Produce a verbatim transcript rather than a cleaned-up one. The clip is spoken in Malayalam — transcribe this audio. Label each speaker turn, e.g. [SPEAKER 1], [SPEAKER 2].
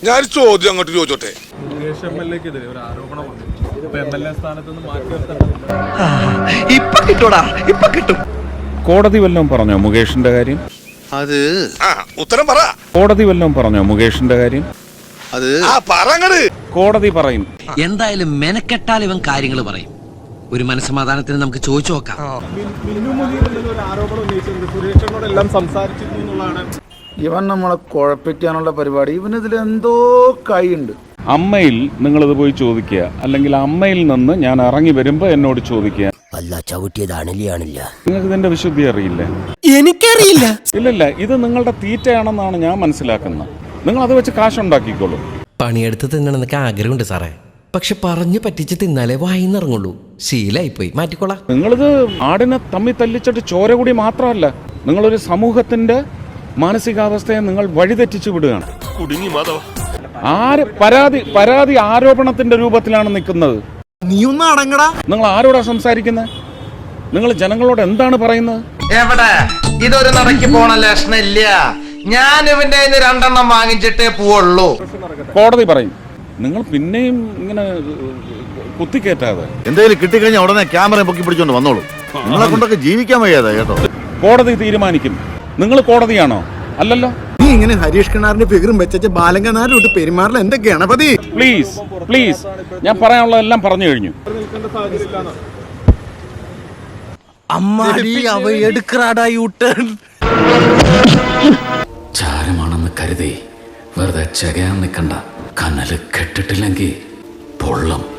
[SPEAKER 1] ഞാൻ ചോദ്യം അങ്ങോട്ട് ചോദിച്ചോട്ടെ.
[SPEAKER 2] കോടതി വല്ലതും പറഞ്ഞോ മുകേഷിന്റെ കാര്യം?
[SPEAKER 1] അത് ഉത്തരം പറ.
[SPEAKER 2] കോടതി വല്ലതും പറഞ്ഞോ മുകേഷിന്റെ കാര്യം?
[SPEAKER 1] അത് പറങ്ങട്.
[SPEAKER 2] കോടതി പറയും.
[SPEAKER 3] എന്തായാലും മെനക്കെട്ടാൽ ഇവൻ കാര്യങ്ങൾ പറയും. ഒരു മനസ്സമാധാനത്തിന് നമുക്ക് ചോദിച്ചു നോക്കാം.
[SPEAKER 4] ഇവൻ നമ്മളെ കുഴപ്പിക്കാനുള്ള പരിപാടി, ഇവനിതിൽ എന്തോ കൈയുണ്ട്.
[SPEAKER 2] അമ്മയിൽ നിങ്ങളിത് പോയി ചോദിക്കുക, അല്ലെങ്കിൽ അമ്മയിൽ നിന്ന് ഞാൻ ഇറങ്ങി വരുമ്പോ എന്നോട് ചോദിക്കുക.
[SPEAKER 3] അല്ല ചവിട്ടിയതാണില്ല.
[SPEAKER 2] നിങ്ങൾക്ക് ഇതിന്റെ വിശുദ്ധി അറിയില്ലേ?
[SPEAKER 3] എനിക്കറിയില്ല.
[SPEAKER 2] ഇല്ലല്ല, ഇത് നിങ്ങളുടെ തീറ്റയാണെന്നാണ് ഞാൻ മനസ്സിലാക്കുന്നത്. നിങ്ങൾ അത് വെച്ച് കാശുണ്ടാക്കിക്കോളൂ.
[SPEAKER 3] പണിയെടുത്ത് തിന്നണമെന്നൊക്കെ ആഗ്രഹമുണ്ട് സാറേ, പക്ഷെ പറഞ്ഞു പറ്റിച്ച് തിന്നാലേ വായിന്നിറങ്ങുള്ളൂ. ശീലായിപ്പോയി, മാറ്റിക്കോളാം.
[SPEAKER 2] നിങ്ങളിത് ആടിനെ തമ്മി തല്ലിച്ചിട്ട് ചോര കൂടി മാത്രമല്ല, നിങ്ങളൊരു സമൂഹത്തിന്റെ മാനസികാവസ്ഥയെ നിങ്ങൾ വഴിതെറ്റിച്ചു വിടുകയാണ്. ആര് പരാതി പരാതി ആരോപണത്തിന്റെ രൂപത്തിലാണ് നിൽക്കുന്നത്.
[SPEAKER 5] നീ ഒന്ന് അടങ്ങടാ.
[SPEAKER 2] നിങ്ങൾ ആരോടാ സംസാരിക്കുന്നത്? നിങ്ങൾ ജനങ്ങളോട് എന്താണ് പറയുന്നത്?
[SPEAKER 6] എവിടെ ഇതൊരു നടക്കി പോണ ലക്ഷണില്ല. ഞാൻ ഇവന്റെ രണ്ടെണ്ണം വാങ്ങിച്ചിട്ടേ പോവുള്ളൂ.
[SPEAKER 2] കോടതി പറയും. നിങ്ങൾ പിന്നെയും ഇങ്ങനെ കുത്തിക്കേറ്റാതെ.
[SPEAKER 4] എന്തെങ്കിലും കിട്ടിക്കഴിഞ്ഞാൽ ഉടനെ ക്യാമറ പൊക്കി പിടിച്ചോണ്ട് വന്നോളൂ. നിങ്ങളെ കൊണ്ടൊക്കെ ജീവിക്കാൻ വയ്യാതെ കേട്ടോ.
[SPEAKER 2] കോടതി തീരുമാനിക്കും. നിങ്ങൾ കോടതിയാണോ? അല്ലല്ലോ.
[SPEAKER 5] നീ ഇങ്ങനെ ഹരീഷ് കിണാറിന്റെ ഫിഗറും വെച്ച ബാലങ്കനാരോട്ട് പെരുമാറില്ല എന്റെ ഗണപതി.
[SPEAKER 2] പ്ലീസ് പ്ലീസ്, ഞാൻ പറയാനുള്ളതെല്ലാം പറഞ്ഞു കഴിഞ്ഞു.
[SPEAKER 7] ചാരമാണെന്ന് കരുതി വെറുതെ ചകയാൻ നിൽക്കണ്ട. കനല് കെട്ടിട്ടില്ലെങ്കിൽ പൊള്ളം.